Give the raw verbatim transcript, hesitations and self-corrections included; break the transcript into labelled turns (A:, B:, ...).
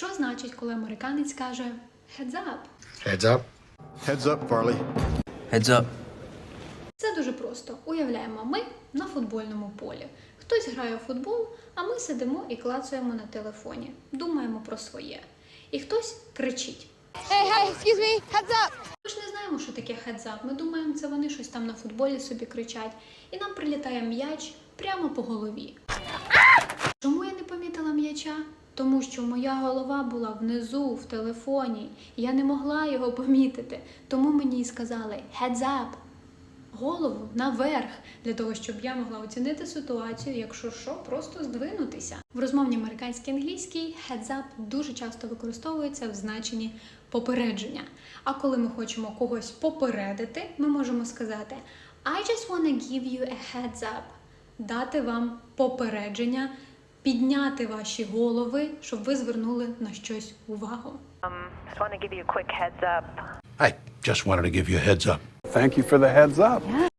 A: Що значить, коли американець каже «heads up»?
B: Heads up.
C: Heads up, Farley.
D: Heads up.
A: Це дуже просто. Уявляємо, ми на футбольному полі. Хтось грає в футбол, а ми сидимо і клацаємо на телефоні. Думаємо про своє. І хтось кричить.
E: Hey, hey, excuse me, heads up!
A: Ми ж не знаємо, що таке heads up. Ми думаємо, це вони щось там на футболі собі кричать. І нам прилітає м'яч прямо по голові. Чому я не помітила м'яча? Тому що моя голова була внизу, в телефоні. Я не могла його помітити. Тому мені і сказали heads up. Голову наверх, для того, щоб я могла оцінити ситуацію, якщо що, просто здвинутися. В розмовній американській англійській heads up дуже часто використовується в значенні попередження. А коли ми хочемо когось попередити, ми можемо сказати I just wanna give you a heads up. Дати вам попередження, підняти ваші голови, щоб ви звернули на щось увагу.
F: Um, just want to give you a quick heads up.
B: I just wanted to give you a heads up.
C: Thank you for the heads up.